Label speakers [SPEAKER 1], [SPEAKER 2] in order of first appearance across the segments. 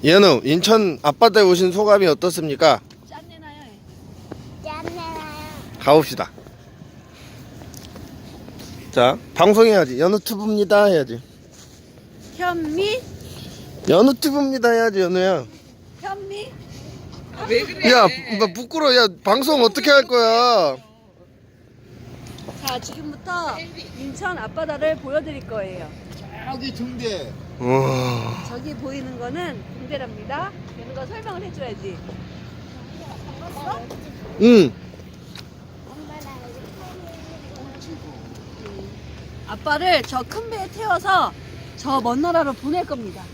[SPEAKER 1] 연우, 인천 앞바다에 오신 소감이 어떻습니까?
[SPEAKER 2] 짠내나요?
[SPEAKER 3] 짠내나요?
[SPEAKER 1] 가봅시다. 자, 방송해야지. 연우튜브입니다 해야지.
[SPEAKER 2] 현미?
[SPEAKER 1] 연우튜브입니다 해야지, 연우야.
[SPEAKER 2] 현미?
[SPEAKER 4] 왜 그래?
[SPEAKER 1] 야, 나 부끄러워. 야, 방송 어떻게 할 거야?
[SPEAKER 2] 자, 지금부터 인천 앞바다를 보여드릴 거예요.
[SPEAKER 5] 저기 중대.
[SPEAKER 1] 우와.
[SPEAKER 2] 저기 보이는 거는 등대랍니다. 이런 거 설명을 해줘야지.
[SPEAKER 1] 응.
[SPEAKER 3] 엄마랑
[SPEAKER 2] 아빠를 저 큰 배에 태워서 저 먼 나라로 보낼 겁니다.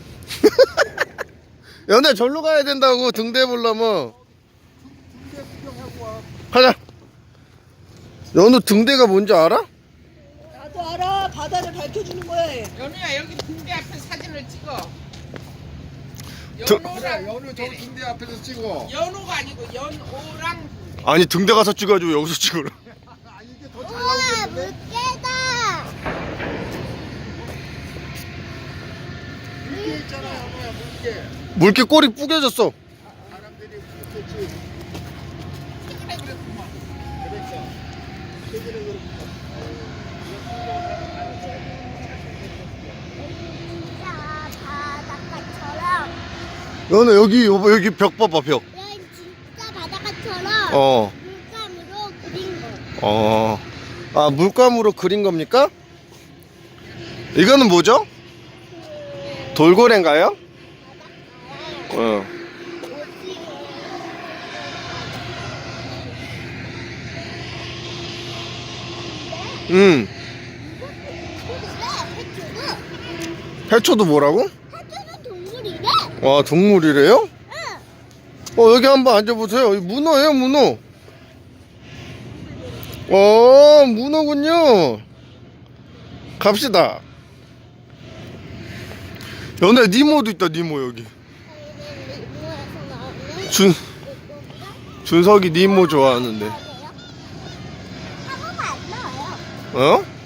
[SPEAKER 1] 연우야, 절로 가야 된다고, 등대 보려면. 가자. 연우 등대가 뭔지 알아?
[SPEAKER 2] 나도 알아. 바다를 밝혀주는 거야.
[SPEAKER 4] 연우야 여기 군대 앞에 사진을 찍어.
[SPEAKER 1] 저-
[SPEAKER 4] 연우랑
[SPEAKER 5] 연우 저 중대 앞에서 찍어.
[SPEAKER 4] 연우가 아니고 연오랑
[SPEAKER 1] 아니, 등대 가서 찍어가지고 여기서 찍으라.
[SPEAKER 5] 아 이게 더 잘
[SPEAKER 3] 우와
[SPEAKER 5] 나오겠는데?
[SPEAKER 3] 물개다.
[SPEAKER 5] 물개 있잖아, 연우야 물개.
[SPEAKER 1] 물개 꼬리 뿌개졌어.
[SPEAKER 5] 사람들이 물개지. 최근에 그랬구만. 그랬어. 최근에 그랬구만.
[SPEAKER 3] 진짜 바닷가처럼.
[SPEAKER 1] 연우, 여기, 여보, 여기 벽 봐봐, 벽.
[SPEAKER 3] 여기 진짜 바닷가처럼
[SPEAKER 1] 어.
[SPEAKER 3] 물감으로 그린 거.
[SPEAKER 1] 어. 아, 물감으로 그린 겁니까? 이거는 뭐죠? 돌고래인가요? 어. 음. 해초도 뭐라고?
[SPEAKER 3] 해초는 동물이래.
[SPEAKER 1] 와, 동물이래요? 여기 한번 앉아보세요. 이 문어예요, 문어. 문어군요. 갑시다. 연애 니모도 있다, 니모 여기.
[SPEAKER 3] 뭐에서 나오는
[SPEAKER 1] 준석이 니모 좋아하는데.
[SPEAKER 3] 사고가 안 나와요.
[SPEAKER 1] 어?